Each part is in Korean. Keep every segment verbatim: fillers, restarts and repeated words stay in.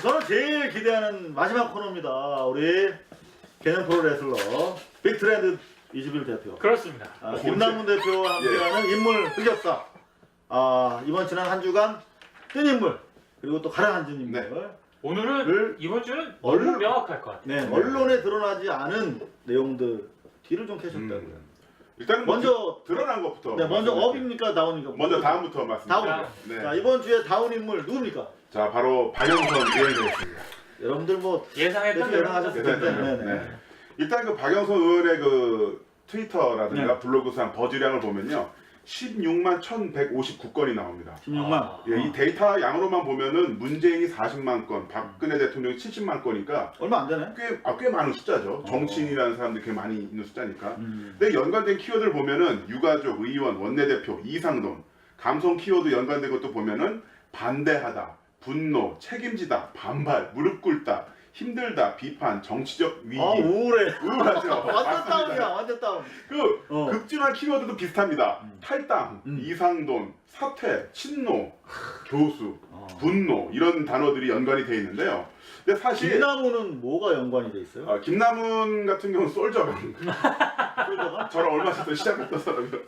저는 제일 기대하는 마지막 코너입니다. 우리 개념 프로레슬러 빅트렌드 이십일 대표. 그렇습니다. 아, 김남문 대표와 함께하는 인물 흑역사. 아, 이번 지난 한 주간 뜬 인물 그리고 또 가라앉은 인물. 네. 오늘은 이번 주는 얼- 너무 명확할 것 같아요. 네, 언론에 드러나지 않은 내용들 뒤를 좀 캐셨다고요. 음. 일단은 뭐 먼저 드, 드러난 것부터. 네, 먼저 말씀드릴게요. 업입니까 다운입니까? 먼저 다음부터 말씀드릴게요. 다운. 네. 자, 이번 주에 다운 인물 누굽니까? 자, 바로 박영선 의원이었습니다. 여러분들 뭐 예상했던 대충 예상하셨을 대로. 텐데. 네. 네, 네. 네. 일단 그 박영선 의원의 그 트위터라든가 네. 블로그상 버즈량을 보면요. 십육만 천백오십구 건이 나옵니다. 십육만. 아. 예, 이 데이터 양으로만 보면은 문재인이 사십만 건, 박근혜 대통령이 칠십만 건이니까 얼마 안 되네. 꽤, 아, 꽤 많은 숫자죠. 정치인이라는 사람들이 꽤 많이 있는 숫자니까. 음. 근데 연관된 키워드를 보면은 유가족, 의원, 원내대표, 이상돈, 감성 키워드 연관된 것도 보면은 반대하다, 분노, 책임지다, 반발, 무릎 꿇다, 힘들다, 비판, 정치적 위기. 아 우울해. 우울하죠. 완전 맞습니다. 다운이야. 완전 다운. 그 어. 급진한 키워드도 비슷합니다. 음. 탈당, 음. 이상돈, 사퇴, 친노, 교수, 어. 분노 이런 단어들이 연관이 돼 있는데요. 근데 사실 김나무는 뭐가 연관이 돼 있어요? 어, 김남훈 같은 경우는 솔저가 솔저가? 저랑 얼마 전에 시작했던 사람이요.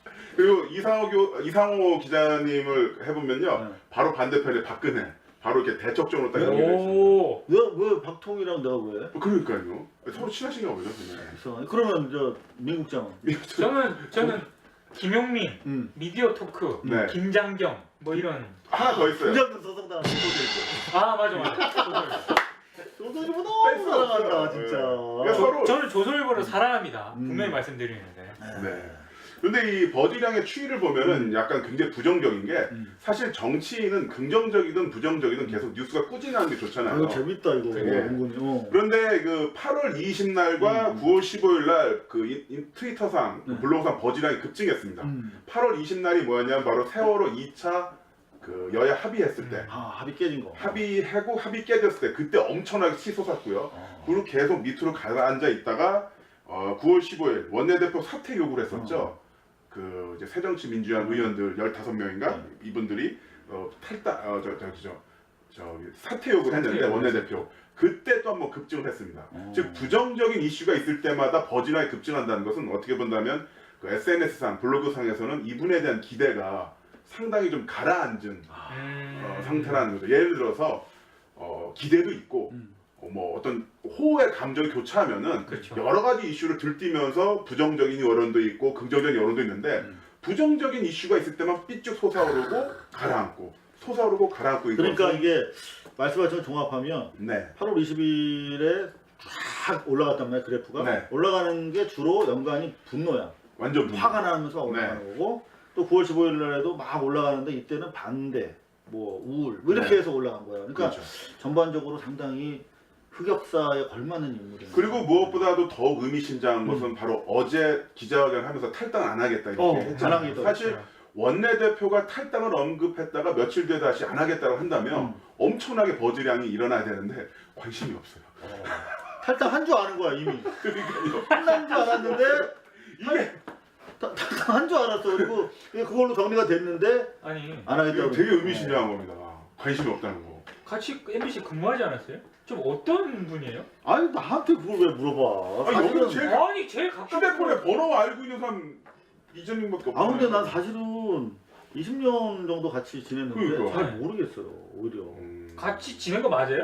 그리고 이상호, 교, 이상호 기자님을 해보면요, 네. 바로 반대편에 박근혜, 바로 이렇게 대척점으로 딱 연결돼 있습니다. 오. 왜왜 박통이랑 내가 왜? 그러니까요. 서로 친하신가 보죠. 그냥. 이상하네. 그러면 저 민국장은? 저는 저는 김용민, 음. 미디어 토크, 네. 김장경 뭐 이런. 하나 더 있어요. 김장근 서성당한 소설이 아 맞아 맞아. 소설이 뺄 너무 수 사랑한다 없어요. 진짜. 네. 서로- 저는 조선일보를 사랑합니다. 음. 분명히 말씀드리는데. 네. 근데 이 버디량의 추이를 보면은 약간 굉장히 부정적인 게 음. 사실 정치인은 긍정적이든 부정적이든 계속 뉴스가 꾸준하는 게 좋잖아요. 아, 이거 재밌다 이거. 되게. 은근히. 어. 그런데 그 팔월 이십 날과 음. 구월 십오일 날그 트위터상 그 네. 블로그상 버디량이 급증했습니다. 음. 팔월 이십 날이 뭐였냐면 바로 세월호 이 차 그 여야 합의했을 때 아 합의 깨진 거. 합의하고 합의 깨졌을 때 그때 엄청나게 치솟았고요. 어. 그리고 계속 밑으로 가라앉아 있다가 어, 구월 십오일 원내대표 사퇴 요구를 했었죠. 그 이제 새정치민주연 의원들 열다섯 명인가 네. 이분들이 어, 탈당 어저 저기 저 저기 사퇴 요구를 했는데 사퇴 원내대표 그때 또 한번 급증을 했습니다. 어. 즉 부정적인 이슈가 있을 때마다 버진하게 급증한다는 것은 어떻게 본다면 그 에스엔에스상 블로그상에서는 이분에 대한 기대가 상당히 좀 가라앉은 음. 어, 상태라는 거죠. 예를 들어서 어, 기대도 있고 음. 어, 뭐 어떤 호의 감정이 교차하면은 그렇죠. 여러 가지 이슈를 들뛰면서 부정적인 여론도 있고 긍정적인 여론도 있는데 음. 부정적인 이슈가 있을 때만 삐쭉 솟아오르고 가라앉고 솟아오르고 가라앉고 그러니까 이것은- 이게 말씀하신 종합하면 네. 팔월 이십일에 쫙 올라갔단 말이야 그래프가. 네. 올라가는 게 주로 연관이 분노야. 완전 분노. 화가 나면서 올라가는 네. 거고 또 구월 십오일 날에도 막 올라가는데 이때는 반대, 뭐 우울 뭐 이렇게 네. 해서 올라간 거야. 그러니까 그렇죠. 전반적으로 상당히 흑역사에 걸맞는 인물이에요. 그리고 무엇보다도 더 의미심장한 음. 것은 바로 어제 기자회견 하면서 탈당 안 하겠다 이렇게 어, 했잖아요. 안 하겠다. 사실 원내대표가 탈당을 언급했다가 며칠 뒤에 다시 안 하겠다고 한다면 음. 엄청나게 버즈량이 일어나야 되는데 관심이 없어요. 어. 탈당 한 줄 아는 거야 이미. 그러니까요. 끝난 줄 알았는데 이게 탈당 한 줄 알았어. 그리고 그걸로 정리가 됐는데 아니 안 하겠다고. 되게 의미심장한 겁니다. 관심이 없다는 거. 같이 엠비씨 근무하지 않았어요? 좀 어떤 분이에요? 아니 나한테 그걸 왜 물어봐? 아니, 여기는 사실은- 제일- 아니 제일 가까운 휴대폰에 번호 알고 있는 사람 이전님밖에 없어요. 아 근데 난 사실은 이십 년 정도 같이 지냈는데 그러니까. 잘 모르겠어요 오히려. 음... 같이 지낸 거 맞아요?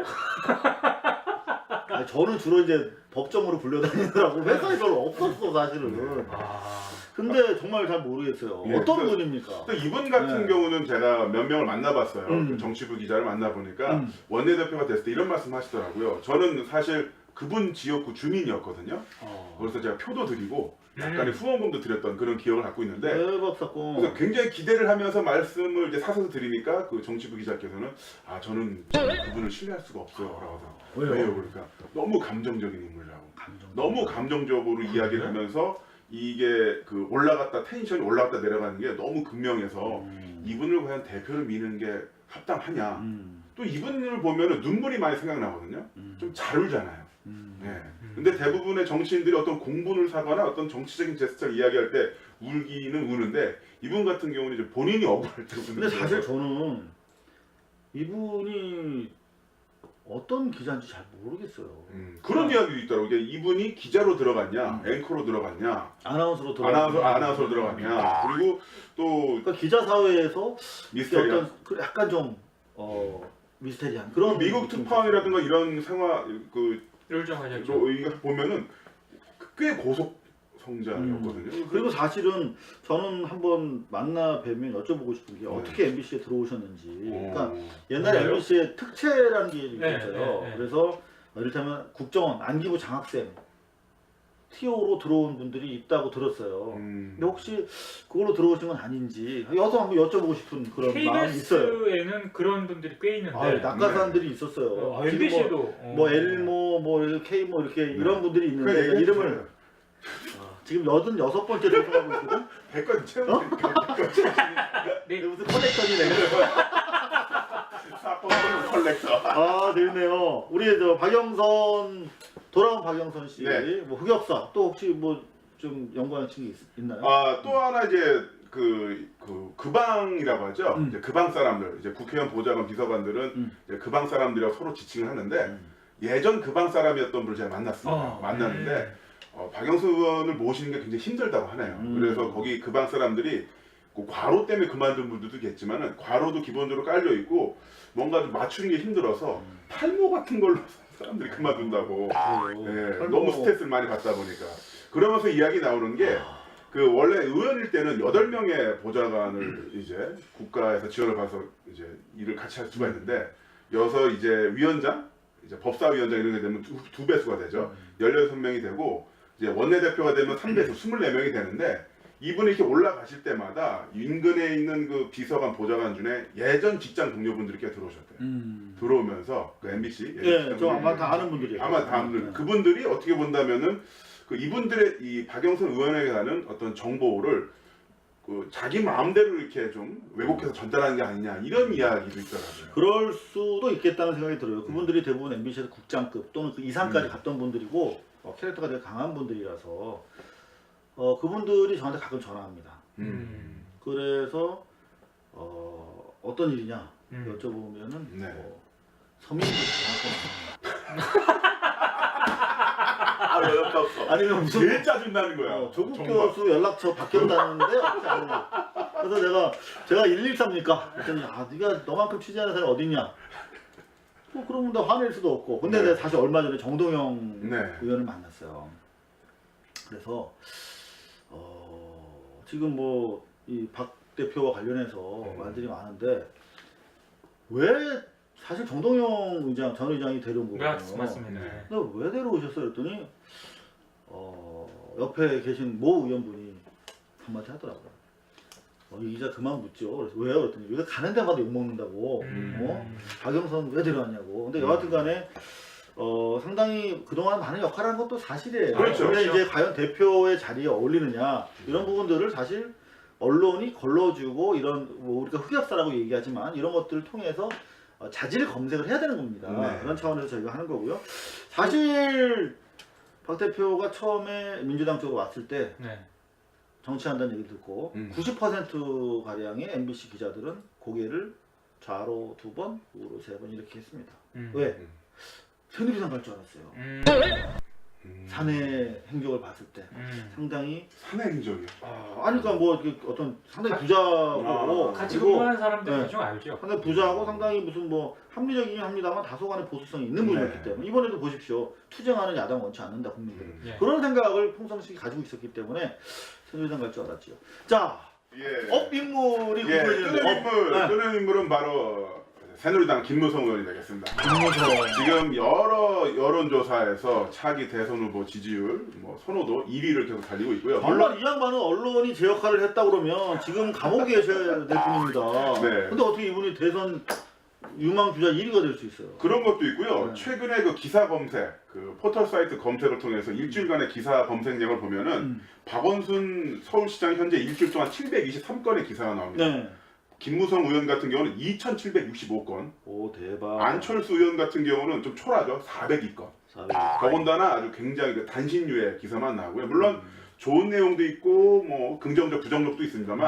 아니, 저는 주로 이제 법정으로 불려다니느라고 회사에 별로 없었어 사실은. 아 근데 정말 잘 모르겠어요. 예, 어떤 그래서- 분입니까? 또 이분 같은 네. 경우는 제가 몇 명을 만나봤어요. 음. 그 정치부 기자를 만나보니까 음. 원내대표가 됐을 때 이런 말씀 하시더라고요. 저는 사실 그분 지역구 주민이었거든요. 어. 그래서 제가 표도 드리고 약간의 음. 후원금도 드렸던 그런 기억을 갖고 있는데 대박 사건. 그래서 굉장히 기대를 하면서 말씀을 이제 사서서 드리니까 그 정치부 기자께서는 아 저는 그분을 신뢰할 수가 없어요 라고 하더라고요. 왜요? 왜요? 그러니까 너무 감정적인 인물이라고 감정. 너무 감정적으로 이야기를 하면서 이게 그 올라갔다 텐션이 올라갔다 내려가는 게 너무 극명해서 음. 이분을 과연 대표를 미는 게 합당하냐. 음. 또 이분을 보면은 눈물이 많이 생각나거든요. 음. 좀 잘 울잖아요. 음. 네. 근데 대부분의 정치인들이 어떤 공분을 사거나 어떤 정치적인 제스처를 이야기할 때 울기는 우는데 이분 같은 경우는 이제 본인이 억울할 때 우는 근데 사실 거예요. 저는 이분이 어떤 기자인지 잘 모르겠어요. 음, 그런 이야기도 있더라고. 이게 이분이 기자로 들어갔냐, 앵커로 들어갔냐, 아나운서로 들어. 아나운서 아나운서로 들어갔냐. 그리고 또 그러니까 기자 사회에서 미스테리한 어떤 그 약간 좀 어, 미스테리한 그런 미국 느낌이 특파원이라든가 이런 생활 그 룰 정하셨죠. 로- 이거 보면은 꽤 고속 성장이었거든요. 음. 그리고 사실은 저는 한번 만나 뵈면 여쭤보고 싶은 게 네. 어떻게 엠비씨에 들어오셨는지. 그러니까 어, 옛날에 그래요? 엠비씨에 특채라는 게 네, 있었어요. 네, 네. 그래서 이를테면 국정원 안기부 장학생 티오로 들어온 분들이 있다고 들었어요. 음. 근데 혹시 그걸로 들어오신 건 아닌지 여서 한번 여쭤보고 싶은 그런 마음이 있어요. 케이비에스에는 그런 분들이 꽤 있는데 아, 낙하산들이 있었어요. 아, 지금 엠비씨도 뭐, 뭐 엘모, 뭐 K 뭐 이렇게 이런 분들이 있는데 그 얘기해 이름을 주세요. 아, 지금 여든여섯 번째로 소개하고 있거든. 백건 채우고 어? 네. 이게 무슨 커넥션이 내가. 사건 컬렉터. 아 재밌네요. 우리 저 박영선 돌아온 박영선 씨, 네. 뭐 흑역사 또 혹시 뭐 좀 연관한 친구 있, 있나요? 아, 또 하나 이제 그, 그, 그방이라고 하죠. 음. 이제 그방 사람들, 이제 국회의원 보좌관 비서관들은 음. 이제 그방 사람들이랑 서로 지칭을 하는데 음. 예전 그방 사람이었던 분을 제가 만났습니다. 어, 만났는데 어, 박영수 의원을 모시는 게 굉장히 힘들다고 하네요. 음. 그래서 거기 그방 사람들이 그 과로 때문에 그만둔 분들도 있겠지만은 과로도 기본적으로 깔려 있고 뭔가 좀 맞추는 게 힘들어서 음. 탈모 같은 걸로 사람들이 그만둔다고. 그래요. 예, 탈모- 너무 스트레스를 많이 받다 보니까 그러면서 이야기 나오는 게 그 원래 의원일 때는 여덟 명의 보좌관을 이제 국가에서 지원을 받아서 이제 일을 같이 할 수가 있는데 여서 이제 위원장, 이제 법사위원장 이런 게 되면 두, 두 배수가 되죠. 열여섯 명이 되고 이제 원내대표가 되면 삼 배수 스물네 명이 되는데 이분이 이렇게 올라가실 때마다 인근에 있는 그 비서관 보좌관 중에 예전 직장 동료분들이 꽤 들어오셨대요. 음. 들어오면서 그 엠비씨 예전 예, 직장 저 아마 동료분들. 다 아는 분들이에요. 아마 다음들 네. 그분들이 어떻게 본다면은 그 이분들의 이 박영선 의원에게 가는 어떤 정보를 그 자기 마음대로 이렇게 좀 왜곡해서 전달하는 게 아니냐 이런 이야기도 있더라고요. 그럴 수도 있겠다는 생각이 들어요. 그분들이 대부분 엠비씨에서 국장급 또는 그 이상까지 음. 갔던 분들이고 어, 캐릭터가 되게 강한 분들이라서 어, 그분들이 저한테 가끔 전화합니다. 음. 그래서 어, 어떤 일이냐 음. 여쭤보면은 네. 뭐, 서민들 장학금 아, 어이없다 없어. 아니면 무슨 제일 짜증나는 거야. 어, 조국 정말. 교수 연락처 바뀌었다는데 없지 않느냐. 그래서 내가 제가 일일삼입니까? 그랬더니 아 네가 너만큼 취재하는 사람이 어딨냐. 뭐 그러면 나 화낼 수도 없고. 근데 네. 내가 사실 얼마 전에 정동영 네. 의원을 만났어요. 그래서 어, 지금 뭐 이 박 대표와 관련해서 음. 말들이 많은데 왜 사실 정동영 의장 전 의장이 데려온 거거든요. 맞- 맞습니다. 네. 근데 왜 데려오셨어요? 그랬더니 어, 옆에 계신 모 의원분이 한마디 하더라고요. 어, 이 기자 그만 묻죠. 그래서 왜요? 그랬더니 여기 가는 데마다 욕먹는다고. 음. 어? 박영선 왜 데려왔냐고. 근데 음. 여하튼 간에 어, 상당히 그동안 많은 역할을 한 것도 사실이에요. 그렇죠. 근데 그렇죠. 이제 과연 대표의 자리에 어울리느냐 이런 부분들을 사실 언론이 걸러주고 이런 뭐 우리가 흑역사라고 얘기하지만 이런 것들을 통해서 어, 자질 검색을 해야 되는 겁니다. 네. 그런 차원에서 저희가 하는 거고요. 사실 박 대표가 처음에 민주당 쪽으로 왔을 때 네. 정치한다는 얘기 듣고 음. 구십 퍼센트 가량의 엠비씨 기자들은 고개를 좌로 두 번, 우로 세 번 이렇게 했습니다. 음. 왜? 음. 새누리당 갈 줄 알았어요. 음. 음. 사내 행적을 봤을 때 음. 상당히 사내 행적이요. 아, 아니 그러니까 뭐 이렇게 어떤 상당히 부자고 아, 같이 그리고 근무하는 사람들 네. 대충 알죠. 상당히 부자하고 상당히 무슨 뭐 합리적이긴 합니다만 다소간의 보수성이 있는 분이었기 네. 때문에 이번에도 보십시오. 투쟁하는 야당 원치 않는다 국민들은. 음. 예. 그런 생각을 풍성식이 가지고 있었기 때문에 새누리당 갈 줄 알았지요. 자, 예. 업 인물이 예. 궁금해지는데 뜨는 인물, 네. 뜨는 인물은 바로 새누리당 김무성 의원이 되겠습니다. 김무성. 지금 여러 여론조사에서 차기 대선 후보 지지율, 뭐 선호도 일 위를 계속 달리고 있고요. 물론 정말 이 양반은 언론이 제 역할을 했다 그러면 지금 감옥에 계셔야 될 분입니다. 네. 근데 어떻게 이분이 대선 유망 주자 일 위가 될 수 있어요? 그런 것도 있고요. 네. 최근에 그 기사 검색, 그 포털 사이트 검색을 통해서 일주일간의 기사 검색량을 보면은 음. 박원순 서울시장 현재 일주일 동안 칠백이십삼 건의 기사가 나옵니다. 네. 김무성 의원 같은 경우는 이천칠백육십오 건, 오 대박. 안철수 의원 같은 경우는 좀 초라하죠. 사백이 건. 사백. 더군다나 아주 굉장히 그 단신유의 기사만 나오고요. 물론 음. 좋은 내용도 있고 뭐 긍정적 부정적도 있습니다만 음.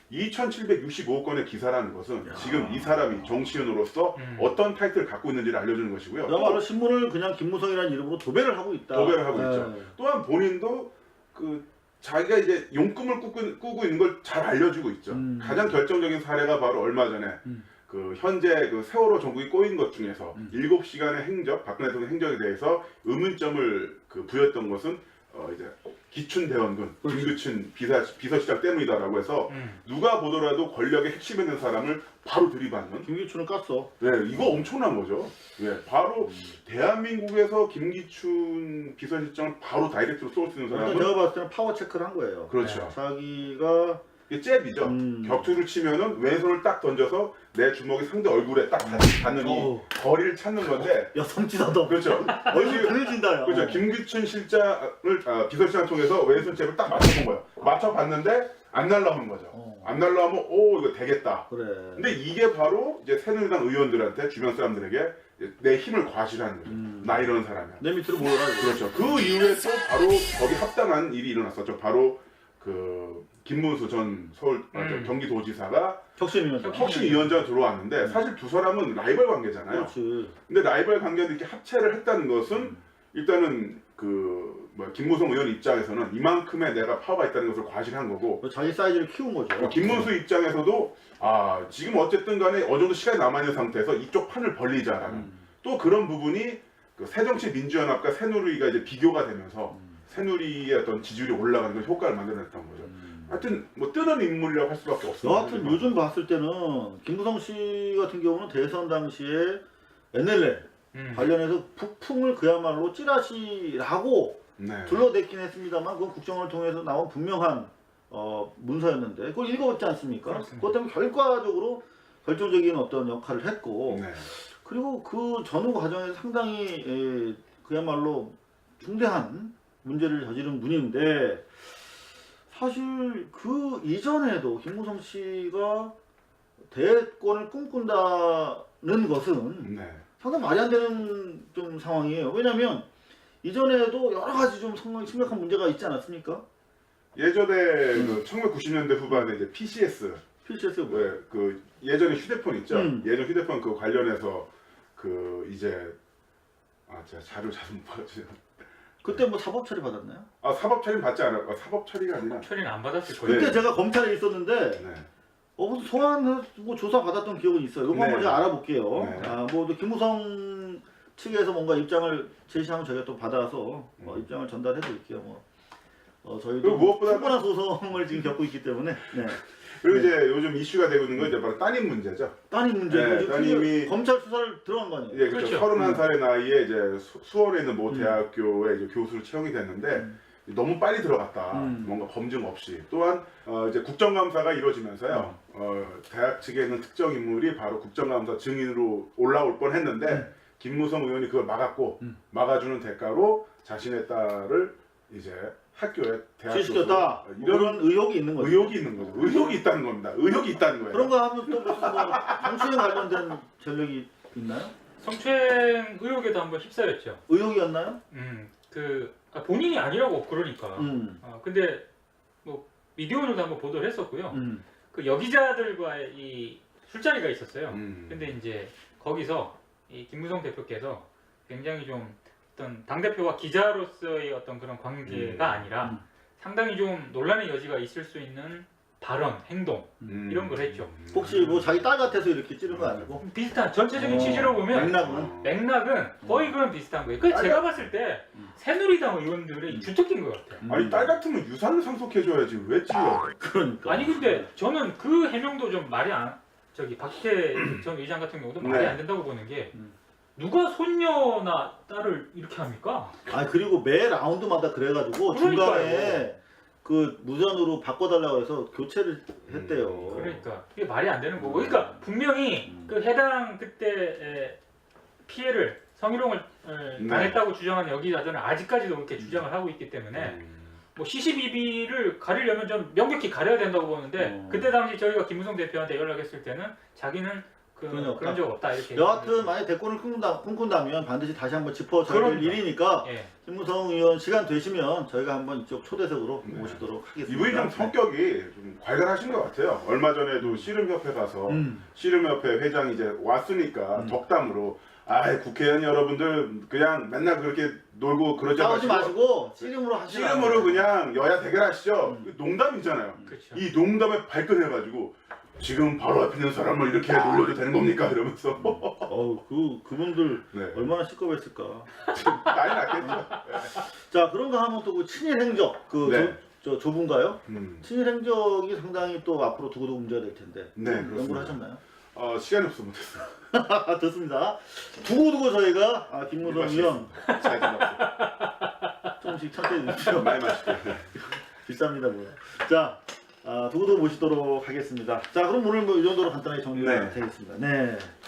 이천칠백육십오 건의 기사라는 것은 야. 지금 이 사람이 정치인으로서 음. 어떤 타이틀을 갖고 있는지를 알려주는 것이고요. 그야말로 또 신문을 그냥 김무성이라는 이름으로 도배를 하고 있다. 도배를 하고 네. 있죠. 또한 본인도 그 자기가 이제 용꿈을 꾸고, 꾸고 있는 걸 잘 알려주고 있죠. 음. 가장 결정적인 사례가 바로 얼마 전에 음. 그 현재 그 세월호 전국이 꼬인 것 중에서 음. 일곱 시간의 행적, 박근혜 대통령 행적에 대해서 의문점을 그 부였던 것은 어 이제 기춘 대원군, 그렇지. 김규춘 비서, 비서실장 때문이다라고 해서 음. 누가 보더라도 권력의 핵심에 있는 사람을 바로 들이받는. 김기춘을 깠어. 네, 이거 엄청난 거죠. 네, 바로 대한민국에서 김기춘 비서실장을 바로 다이렉트로 쏠 수 있는 일단 사람은 제가 봤을 때는 파워 체크를 한 거예요. 그렇죠. 자기가 이게 잽이죠. 음. 격투를 치면은 왼손을 딱 던져서 내 주먹이 상대 얼굴에 딱 닿- 닿는 이 어우. 거리를 찾는 건데, 야 성지다도 그렇죠. 얼굴 그려진다. 야. 그렇죠. 김규춘 실장을 아, 비서실장 통해서 왼손 잽을 딱 맞춰본 거예요. 맞춰봤는데 안 날라오는 거죠. 어. 안 날라오면 오 이거 되겠다. 그래. 근데 이게 바로 이제 새누리당 의원들한테 주변 사람들에게 이제 내 힘을 과시하는 거죠. 음. 나 이런 사람이야. 내 밑으로 모여라. 이거. 그렇죠. 그 이후에 또 바로 거기 합당한 일이 일어났었죠. 바로 그 김문수 전 서울 아, 저 음. 경기도지사가 혁신위원장. 혁신위원장 들어왔는데 사실 두 사람은 라이벌 관계잖아요. 그렇지. 근데 라이벌 관계인데 이렇게 합체를 했다는 것은 음. 일단은 그 뭐 김무성 의원 입장에서는 이만큼의 내가 파워가 있다는 것을 과시한 거고, 자기 사이즈를 키운 거죠. 어, 김문수 입장에서도 아 지금 어쨌든 간에 어느 정도 시간이 남아있는 상태에서 이쪽 판을 벌리자라는 음. 또 그런 부분이 그 새정치민주연합과 새누리가 이제 비교가 되면서 음. 새누리의 어떤 지지율이 올라가는 그런 효과를 만들어냈던 거죠. 음. 하여튼 뭐 뜨는 인물이라고 할 수밖에 없어요. 여하튼 요즘 봤을 때는 김무성 씨 같은 경우는 대선 당시에 엔엘엘 음. 관련해서 북풍을 그야말로 찌라시라고 네. 둘러댔긴 했습니다만 그건 국정을 통해서 나온 분명한 어, 문서였는데 그걸 읽어봤지 않습니까? 그렇습니다. 그것 때문에 결과적으로 결정적인 어떤 역할을 했고 네. 그리고 그 전후 과정에서 상당히 에, 그야말로 중대한 문제를 저지른 분인데 사실 그 이전에도 김무성 씨가 대권을 꿈꾼다는 것은 네. 상당히 말이 안 되는 좀 상황이에요. 왜냐하면 이전에도 여러 가지 좀 상당히 심각한 문제가 있지 않았습니까? 예전에 음. 그 천구백구십 년대 후반에 이제 피씨에스 피씨에스 뭐 왜 그 예전에 휴대폰 있죠? 음. 예전 휴대폰 그 관련해서 그 이제 아 제가 자료 잘 못 봤지. 그때 뭐 사법 처리 받았나요? 아 사법 처리 받지 않았고 아, 사법 처리가 아니라. 처리는 안 받았을 거예요. 그때 네. 제가 검찰에 있었는데 네. 어, 무슨 소환 뭐 조사 받았던 기억은 있어요. 이거 네. 한번 제가 알아볼게요. 네. 아, 뭐 또 김무성 측에서 뭔가 입장을 제시하면 저희가 또 받아서 어, 음. 입장을 전달해 드릴게요. 뭐 어, 저희도 그리고 무엇보다- 충분한 소송을 지금 겪고 있기 때문에 네. 그리고 네. 이제 요즘 이슈가 되고 있는 건 이제 바로 따님 문제죠. 따님 문제고 네, 지금 따님이- 검찰 수사를 들어간 거 아니에요? 예, 그렇죠. 그렇죠. 서른한 살의 나이에 이제 수, 수원에 있는 모 음. 대학교에 이제 교수로 채용이 됐는데 음. 너무 빨리 들어갔다. 음. 뭔가 검증 없이. 또한 어, 이제 국정감사가 이루어지면서요. 어, 대학 측에 있는 특정 인물이 바로 국정감사 증인으로 올라올 뻔했는데 음. 김무성 의원이 그걸 막았고 음. 막아주는 대가로 자신의 딸을 이제 학교에 대학 취직시켰다. 교수, 뭐 이런 그런 의혹이 있는 거죠. 의혹이 있는 거죠. 의혹이 있다는 겁니다. 의혹이 있다는 거예요. 그런 거 하면 또 무슨 뭐 정치에 관련된 전력이 있나요? 성추행 의혹에도 한번 휩싸였죠. 의혹이었나요? 음, 그 아, 본인이 아니라고 그러니까. 음. 아, 근데 뭐 미디어오늘도 한번 보도를 했었고요. 음. 그 여기자들과의 이 술자리가 있었어요. 음. 근데 이제 거기서 이 김무성 대표께서 굉장히 좀 어떤 당 대표와 기자로서의 어떤 그런 관계가 음. 아니라 음. 상당히 좀 논란의 여지가 있을 수 있는 발언, 행동 음. 이런 걸 했죠. 혹시 뭐 자기 딸 같아서 이렇게 찌른 거 아니고? 비슷한 전체적인 어, 취지로 보면 맥락은? 어. 맥락은 거의 그런 비슷한 거예요. 그래서 아니, 제가 봤을 때 음. 새누리당 의원들의 음. 주특기인 것 같아요. 음. 아니 딸 같으면 유산을 상속해줘야지 왜 찔러? 그러니까. 아니 근데 저는 그 해명도 좀 말이 안 저기 박태 전 의장 같은 경우도 말이 네. 안 된다고 보는 게 음. 누가 손녀나 딸을 이렇게 합니까? 아 그리고 매 라운드마다 그래가지고 그러니까요. 중간에 그 무전으로 바꿔달라고 해서 교체를 했대요. 음, 그러니까 이게 말이 안 되는 거고. 그러니까 분명히 음. 그 해당 그때 피해를 성희롱을 에, 네. 당했다고 주장하는 여기자들은 아직까지도 그렇게 주장을 하고 있기 때문에 음. 뭐 시시비비를 가리려면 좀 명백히 가려야 된다고 보는데 어. 그때 당시 저희가 김무성 대표한테 연락했을 때는 자기는 그, 그런 적 없다. 그런 적 없다 이렇게. 여하튼 만약 대권을 꿈꾼다, 꿈꾼다면 반드시 다시 한번 짚어줘야 될 그럼요. 일이니까 예. 김무성 의원 시간 되시면 저희가 한번 이쪽 초대석으로 네. 모시도록 하겠습니다. 이분이 좀 성격이 좀 괄괄하신 것 같아요. 얼마 전에도 씨름협회 가서 음. 씨름협회 회장이 이제 왔으니까 음. 덕담으로 아 국회의원 여러분들 그냥 맨날 그렇게 놀고 그러지 싸우지 마시고 마시고 씨름으로 하시라. 씨름으로 그냥 여야 대결하시죠. 음. 농담이잖아요. 그렇죠. 이 농담에 발끈해가지고 지금 바로 앞에 있는 사람을 이렇게 놀려도 되는 겁니까? 이러면서 어우 그 그분들 네. 얼마나 시끄럽했을까. 난리 났겠죠. 자 그런가 하면 또 그 친일 행적 그 네. 저, 저 조분가요? 음. 친일 행적이 상당히 또 앞으로 두고두고 문제가 될 텐데. 네, 좀 연구를 그렇습니다. 하셨나요? 어, 시간이 없어 못했어요. 좋습니다. 두고두고 저희가 아, 김무성 의원 잘 지났어요. 조금씩 청취해 주십시오. 많이 마실게요. 비쌉니다 뭐. 자 아, 두고두고 모시도록 하겠습니다. 자 그럼 오늘 뭐 이 정도로 간단하게 정리가 네. 되겠습니다. 네.